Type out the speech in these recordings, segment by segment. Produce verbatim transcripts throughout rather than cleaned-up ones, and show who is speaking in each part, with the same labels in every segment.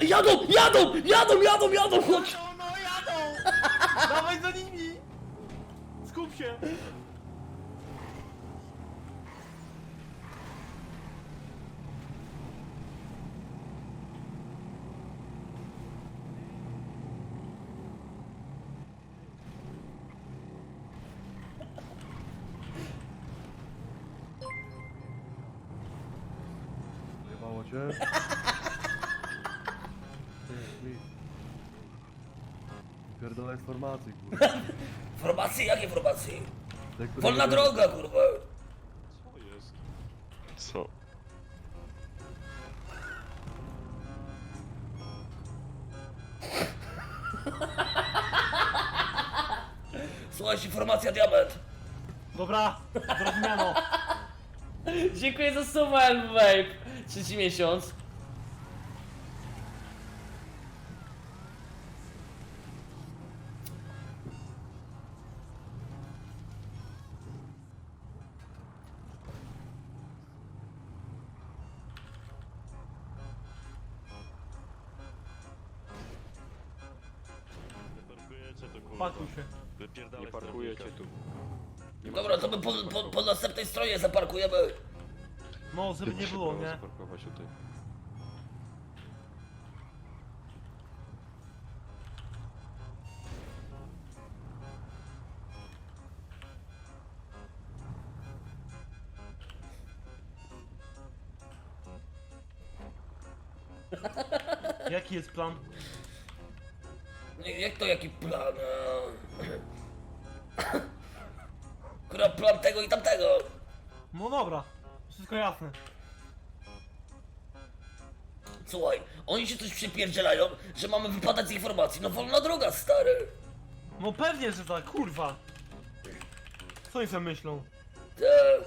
Speaker 1: Jadą, jadą, jadą, jadą, jadą, chodź!
Speaker 2: No, no jadą! Dawaj za nimi! Skup się!
Speaker 3: Jebało cię? Pierdolę informacji, kurwa.
Speaker 1: Informacje? Jakie informacje?
Speaker 3: Te, które
Speaker 1: Wolna
Speaker 3: nie
Speaker 1: droga, kurwa!
Speaker 4: Co jest? Co?
Speaker 1: Słuchajcie, informacja diament!
Speaker 2: Dobra, zrozumiano.
Speaker 1: Dziękuję za sumę, Elvape! Trzeci miesiąc.
Speaker 4: Wyparkujecie to kurwa.
Speaker 2: Pakuj się.
Speaker 4: Wypierdalaj nie parkujecie tu.
Speaker 1: Dobra, to my po, po, po następnej stronie zaparkujemy.
Speaker 2: No, żeby nie było, nie?
Speaker 4: Zaparkować tutaj.
Speaker 2: Jaki jest plan?
Speaker 1: Nie, jak to jaki plan? Kurwa, plan tego i tamtego.
Speaker 2: No dobra, wszystko jasne.
Speaker 1: Słuchaj, oni się coś przypierdzielają, że mamy wypadać z informacji. No wolna droga, stary.
Speaker 2: No pewnie, że tak, kurwa. Co oni sobie myślą?
Speaker 1: Ty,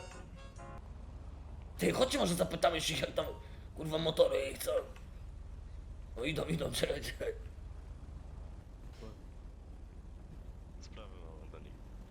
Speaker 1: Ty chodźcie może zapytamy się jak tam, kurwa, motory ich co? No idą, idą, czekaj, czekaj.
Speaker 4: Sprawy mam dla nich.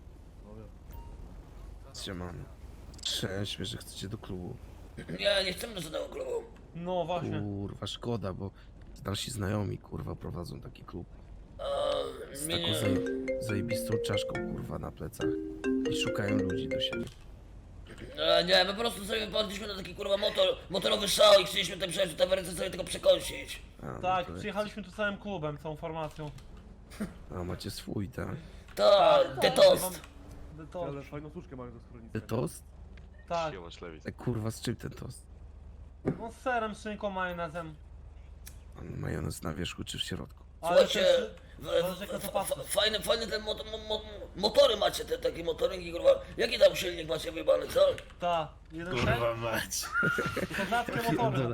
Speaker 5: Siemano. Cześć, wiesz, że chcecie do klubu.
Speaker 1: Nie, nie chcemy do żadnego klubu.
Speaker 2: No właśnie.
Speaker 5: Kurwa, szkoda, bo nasi znajomi, kurwa, prowadzą taki klub.
Speaker 1: A,
Speaker 5: Z
Speaker 1: nie,
Speaker 5: taką
Speaker 1: nie.
Speaker 5: zaje, zajebistą czaszką, kurwa, na plecach. I szukają ludzi do siebie.
Speaker 1: E, nie, my po prostu sobie padliśmy na taki kurwa motor, motorowy szał i chcieliśmy tutaj przejść do tawerny sobie tego przekąsić.
Speaker 5: A, no
Speaker 2: Tak,
Speaker 5: to-
Speaker 2: przyjechaliśmy tu całym klubem, całą formacją.
Speaker 5: A, macie swój, tak?
Speaker 1: Tak, te toast.
Speaker 2: To,
Speaker 3: Ale fajną suszkę mają do schroniska.
Speaker 5: Ten tost?
Speaker 2: tak,
Speaker 4: Siema, Szlewis.
Speaker 5: E, kurwa, z czym ten tost?
Speaker 2: no z serem, szynką, majonezem.
Speaker 5: On majonez na wierzchu czy w środku?
Speaker 2: Ale
Speaker 1: Słuchajcie,
Speaker 2: też,
Speaker 1: w,
Speaker 2: zależy, jaka to
Speaker 1: w,
Speaker 2: pasta.
Speaker 1: f, fajny, fajny ten mot, mo, mo, motory macie, te takie motorynki, kurwa. Jaki tam silnik macie wybany, co?
Speaker 2: ta, jeden
Speaker 6: Kurwa mać.
Speaker 2: ser, kozackie motory.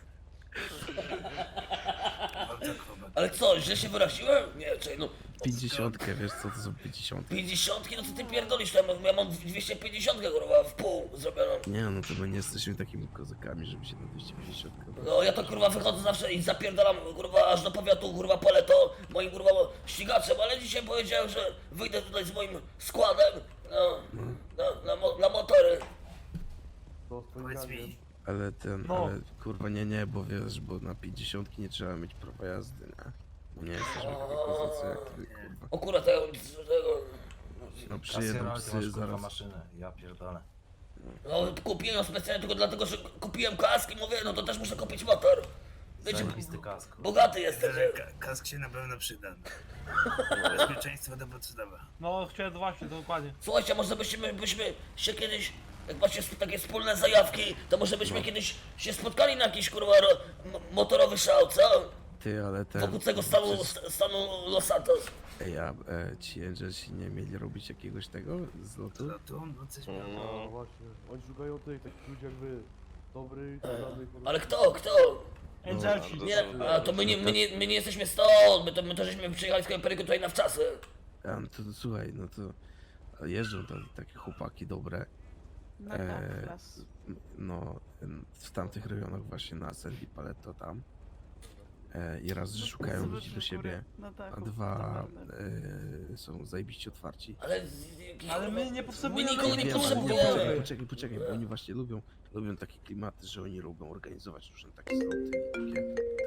Speaker 1: Ale co, źle się wyraziłem? Nie, czekaj, no.
Speaker 5: Pięćdziesiątkę, wiesz co to są pięćdziesiątki?
Speaker 1: pięćdziesiątki, no co ty pierdolisz tam? Ja mam dwieście pięćdziesiąt, kurwa, w pół zrobioną.
Speaker 5: Nie, no to my nie jesteśmy takimi kozakami, żeby się na dwieście pięćdziesiąt.
Speaker 1: No ja to kurwa wychodzę zawsze i zapierdalam kurwa aż do powiatu kurwa Paleto moim kurwa ścigaczem, ale dzisiaj powiedziałem, że wyjdę tutaj z moim składem no, na, na, mo, na motory.
Speaker 3: To z
Speaker 6: Powiedz
Speaker 3: twoim
Speaker 6: mi,
Speaker 5: Ale ten,
Speaker 2: No.
Speaker 5: ale kurwa nie, nie, bo wiesz, bo na pięćdziesiątki nie trzeba mieć prawa jazdy, nie? Bo nie jesteśmy takie kozacy jak ty, kurwa.
Speaker 1: O kurwa tego, tego
Speaker 5: No przyjedą
Speaker 6: kasjera, ty
Speaker 5: psy
Speaker 6: masz kurwa
Speaker 5: zaraz.
Speaker 6: maszynę, ja pierdolę.
Speaker 1: no, kupiłem ją specjalnie tylko dlatego, że kupiłem kask i mówię, no to też muszę kupić motor. Wiecie,
Speaker 6: Zajebisty kask. kurwa.
Speaker 1: bogaty jestem.
Speaker 6: Tyle ka- Kask się na pewno przyda. Bezpieczeństwo to podstawa.
Speaker 2: No chciałem właśnie, dokładnie.
Speaker 1: Słuchajcie, może byśmy, byśmy się kiedyś, jak macie sp- takie wspólne zajawki, to może byśmy kiedyś się spotkali na jakiś kurwa ro, m- motorowy szał, co?
Speaker 5: Ty, ale ten...
Speaker 1: Wokół tego stanu,
Speaker 5: przecież-
Speaker 1: st- stanu Los Santos.
Speaker 5: Ej, a e, ci Angelsi nie mieli robić jakiegoś tego z lotu?
Speaker 6: No tu, no coś miało.
Speaker 3: No właśnie, oni szukają tych, takich ludzi jak wy. Dobrych, radnych...
Speaker 1: Ale kto, kto?
Speaker 2: Angelsi.
Speaker 1: Nie, a to my nie, my nie, my nie jesteśmy stąd, my to, my to żeśmy przyjechali z Kajperyku tutaj na wczasy.
Speaker 5: A, no to, to słuchaj, no to jeżdżą tam takie chłopaki dobre.
Speaker 7: Na
Speaker 5: E,
Speaker 7: Kafras.
Speaker 5: no, em, w tamtych rejonach właśnie na Sandy Paleto tam. E, I raz, że szukają
Speaker 7: Zobacz,
Speaker 5: ludzi do
Speaker 7: że
Speaker 5: siebie,
Speaker 7: góry na
Speaker 5: a
Speaker 7: dachu,
Speaker 5: dwa
Speaker 7: naprawdę.
Speaker 5: e, są zajebiście otwarci.
Speaker 1: Ale, z- jakiś,
Speaker 2: Ale my
Speaker 1: kurwa,
Speaker 2: nie
Speaker 1: my
Speaker 2: potrzebujemy...
Speaker 1: nikogo nie
Speaker 5: Wiem, ale
Speaker 1: potrzebujemy.
Speaker 5: poczekaj, poczekaj, poczekaj, bo oni właśnie lubią, lubią takie klimaty, że oni lubią organizować różne takie zloty i takie, takie te, także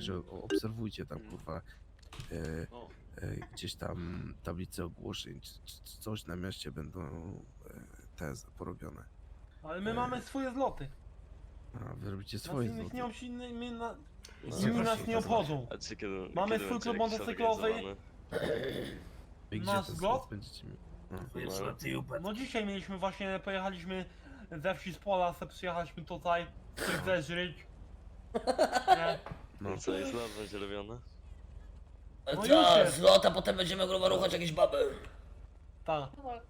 Speaker 5: także o- obserwujcie tam kurwa e,
Speaker 4: No.
Speaker 5: e, gdzieś tam tablice ogłoszeń, czy, czy czy coś na mieście będą e, te z- porobione.
Speaker 2: Ale my mamy swoje zloty.
Speaker 5: A wy robicie
Speaker 2: Nas
Speaker 5: swoje
Speaker 2: innych
Speaker 5: zloty.
Speaker 2: nie obsi... my na...
Speaker 5: No,
Speaker 2: Inni nas
Speaker 5: właśnie,
Speaker 2: nie
Speaker 5: to
Speaker 2: obchodzą.
Speaker 4: A czy kiedy,
Speaker 2: Mamy
Speaker 4: kiedy
Speaker 2: swój
Speaker 4: będzie
Speaker 2: klub
Speaker 4: jakiś
Speaker 2: motocyklowy.
Speaker 4: zorganizowany?
Speaker 5: I gdzie
Speaker 2: nasz
Speaker 5: te
Speaker 2: zlot?
Speaker 5: zlot będziecie mieli? No.
Speaker 6: Wiesz, no ty upadł.
Speaker 2: No dzisiaj mieliśmy właśnie, pojechaliśmy ze wsi z pola, se przyjechaliśmy tutaj, coś zeżryć. Nie?
Speaker 5: No.
Speaker 4: Co jest lot będzie robione?
Speaker 2: No już
Speaker 1: Ta,
Speaker 2: jest.
Speaker 1: zlot, a potem będziemy kurwa ruchać jakieś baby.
Speaker 2: Tak.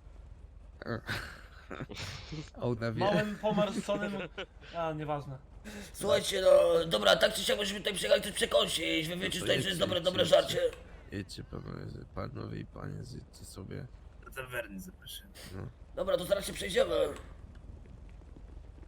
Speaker 5: A ona wie.
Speaker 2: Małym pomarszczonym... A, nieważne.
Speaker 1: Słuchajcie, no dobra, tak czy siak myśmy tutaj przyjechali coś przekąsić. Wy wiecie
Speaker 5: to
Speaker 1: tutaj, że jest
Speaker 5: jedźcie,
Speaker 1: dobre,
Speaker 5: jedźcie,
Speaker 1: dobre
Speaker 5: jedźcie.
Speaker 1: żarcie.
Speaker 5: Jedźcie panowie, panowie i panie, zjedźcie sobie.
Speaker 6: Do tawerny zapraszam.
Speaker 5: No.
Speaker 1: Dobra, to zaraz się przejdziemy.